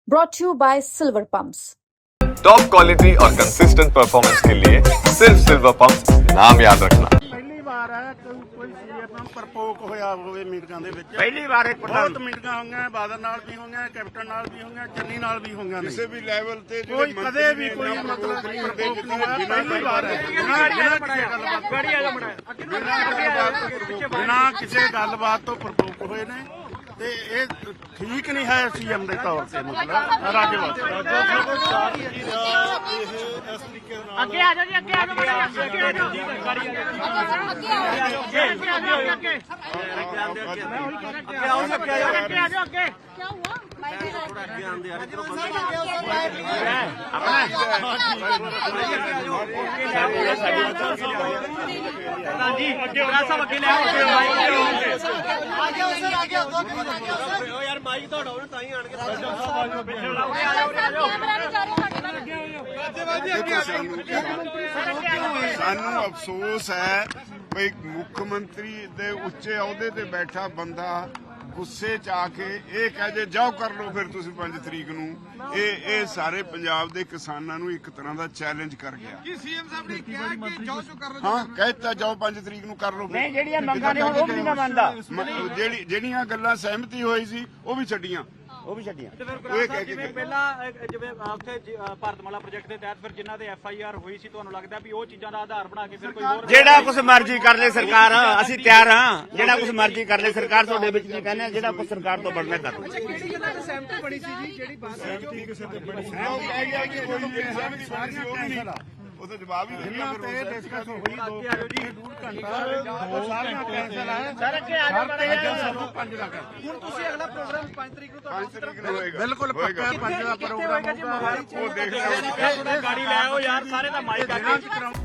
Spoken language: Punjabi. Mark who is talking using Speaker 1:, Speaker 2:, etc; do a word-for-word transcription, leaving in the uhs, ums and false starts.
Speaker 1: brought to you by Silver Pumps.
Speaker 2: Top quality और कंसिस्टेंट परफॉर्मेंस के लिए सिर्फ सिल्वर पंप नाम याद रखना।
Speaker 3: ਪਹਿਲੀ ਵਾਰ ਹੈ ਕੋਈ ਕੋਈ ਸੀਨੀਅਰ ਨਾਲ ਪ੍ਰਪੋਕ ਹੋਇਆ ਹੋਵੇ ਮੀਟਿੰਗਾਂ ਦੇ ਵਿੱਚ।
Speaker 4: ਪਹਿਲੀ ਵਾਰ ਇੱਕ
Speaker 3: ਬਹੁਤ ਮੀਟਿੰਗਾਂ ਹੋਈਆਂ, ਬਾਦਲ ਨਾਲ ਵੀ ਹੋਈਆਂ, ਕੈਪਟਨ ਨਾਲ ਵੀ ਹੋਈਆਂ, ਚੰਨੀ ਨਾਲ ਵੀ ਹੋਈਆਂ ਨੇ।
Speaker 5: ਕਿਸੇ ਵੀ ਲੈਵਲ ਤੇ
Speaker 3: ਕੋਈ ਕਦੇ ਵੀ ਕੋਈ ਮਤਲਬ ਨਹੀਂ ਹੁੰਦੇ ਜਿੱਦਾਂ ਪਹਿਲੀ ਵਾਰ ਹੈ ਬਿਨਾਂ ਬਿਨਾਂ ਕਿਸੇ ਗੱਲਬਾਤ ਤੋਂ ਪ੍ਰਪੋਕ ਹੋਏ ਨੇ ਤੇ ਇਹ ਠੀਕ ਨਹੀਂ ਹੈ ਸੀਐਮ ਦੇ ਤੌਰ ਤੇ ਮਤਲਬ ਰਾਜ ਵਾਸਤੇ।
Speaker 4: ਅੱਗੇ ਆ ਜਾਓ ਜੀ, ਅੱਗੇ ਆ ਜਾਓ, ਅੱਗੇ ਆ ਜਾਓ, ਅੱਗੇ ਆ ਜਾਓ, ਅੱਗੇ
Speaker 6: क्या हुआ?
Speaker 4: ਜੀ ਅੱਗੇ ਸਭ ਅੱਗੇ ਲੈ ਆਓ
Speaker 6: यार माइक तो हटाओ ना ताई आन के
Speaker 5: ਸਾਨੂੰ ਅਫਸੋਸ ਹੈ ਬਈ ਮੁੱਖ ਮੰਤਰੀ ਦੇ ਉੱਚੇ ਅਹੁਦੇ ਤੇ ਬੈਠਾ ਬੰਦਾ ਗੁੱਸੇ ਚ ਆ ਕੇ ਇਹ ਕਹਿ ਜੇ ਜਾਓ ਕਰ ਲਓ ਫਿਰ ਤੁਸੀਂ ਪੰਜ ਤਰੀਕ ਨੂੰ। ਇਹ ਇਹ ਸਾਰੇ ਪੰਜਾਬ ਦੇ ਕਿਸਾਨਾਂ ਨੂੰ ਇੱਕ ਤਰ੍ਹਾਂ ਦਾ ਚੈਲੰਜ ਕਰ ਗਿਆ।
Speaker 7: ਕੀ ਸੀਐਮ ਸਾਹਿਬ ਨੇ ਕਿਹਾ ਕਿ ਜਾਓ ਜੋ ਕਰ ਲਓ।
Speaker 5: ਹਾਂ ਕਹਿਤਾ ਜਾਓ ਪੰਜ ਤਰੀਕ ਨੂੰ ਕਰ ਲਓ।
Speaker 4: ਨਹੀਂ ਜਿਹੜੀਆਂ ਮੰਗਾਂ ਨੇ ਉਹ ਵੀ ਨਹੀਂ ਮੈਂ ਮੰਨਦਾ।
Speaker 5: ਜਿਹੜੀ ਜਿਹੜੀਆਂ ਗੱਲਾਂ ਸਹਿਮਤੀ ਹੋਈ ਸੀ ਉਹ ਵੀ ਛੱਡੀਆਂ
Speaker 4: ਉਹ ਵੀ ਛੱਡੀਆਂ।
Speaker 5: ਉਹ ਇਹ ਕਹਿ ਕੇ ਗਏ।
Speaker 8: ਪਹਿਲਾਂ ਜਿਵੇਂ ਉੱਥੇ ਭਾਰਤਮਾਲਾ ਪ੍ਰੋਜੈਕਟ ਦੇ ਤਹਿਤ ਫਿਰ ਜਿਨ੍ਹਾਂ ਦੇ ਐਫ ਆਈ ਆਰ ਹੋਈ ਸੀ, ਤੁਹਾਨੂੰ ਲੱਗਦਾ ਵੀ ਉਹ ਚੀਜ਼ਾਂ ਦਾ ਆਧਾਰ ਬਣਾ ਕੇ ਫਿਰ ਕੋਈ ਹੋਰ
Speaker 4: ਜਿਹੜਾ ਕੁਝ ਮਰਜ਼ੀ ਕਰ ਲੈ ਸਰਕਾਰ, ਅਸੀਂ ਤਿਆਰ ਹਾਂ। ਜਿਹੜਾ ਕੁਝ ਮਰਜ਼ੀ ਕਰ ਲੈ ਸਰਕਾਰ, ਤੁਹਾਡੇ ਵਿੱਚ ਨਹੀਂ ਕਹਿੰਦੇ ਜਿਹੜਾ ਕੁਝ ਸਰਕਾਰ ਤੋਂ ਬਣਨਾ ਕਰ।
Speaker 7: ਕਿਹੜੀ ਗੱਲਾਂ ਤੇ ਸਹਿਮਤੀ ਬਣੀ ਸੀ ਜੀ ਜਿਹੜੀ ਬਾਤ
Speaker 5: ਸਹਿਮਤੀ ਕਿਸੇ ਤੇ ਬਣੀ ਸੀ ਉਹ ਕਹਿ ਗਿਆ ਕਿ ਕੋਈ ਨਹੀਂ ਸਹਿਮਤੀ ਬਣੀ ਸੀ ਉਹ ਵੀ ਨਹੀਂ। ਉਹ ਤਾਂ ਜਵਾਬ ਹੀ ਦੇ ਗਿਆ ਫਿਰ ਉਹ
Speaker 3: ਡਿਸਕਸ ਹੋਈ ਦੋ ਡੂਢ ਘੰਟਾ ਉਹ ਸਾਰੀਆਂ ਕੈਂਸਲ ਹੈ।
Speaker 4: ਸਰ ਅੱਗੇ ਆ ਜਾਓ ਮਾੜਾ ਜਿਹਾ।
Speaker 3: ਪੰਜ ਲੱਖ
Speaker 7: ਹੁਣ ਤੁਸੀਂ ਅਗਲਾ ਪ੍ਰੋਗਰਾਮ ਪੰਜ ਤਰੀਕ ਨੂੰ
Speaker 5: ਪੰਜ ਤਰੀਕ ਨੂੰ ਹੋਏਗਾ।
Speaker 3: ਬਿਲਕੁਲ ਪੱਕਾ ਪੰਜ ਦਾ ਪ੍ਰੋਗਰਾਮ ਹੋਊਗਾ।
Speaker 5: ਉਹ ਦੇਖ ਲਿਆ
Speaker 8: ਗਾੜੀ ਲੈ ਆਓ ਯਾਰ, ਸਾਰੇ ਦਾ ਮਾਈਕ ਆ ਕੇ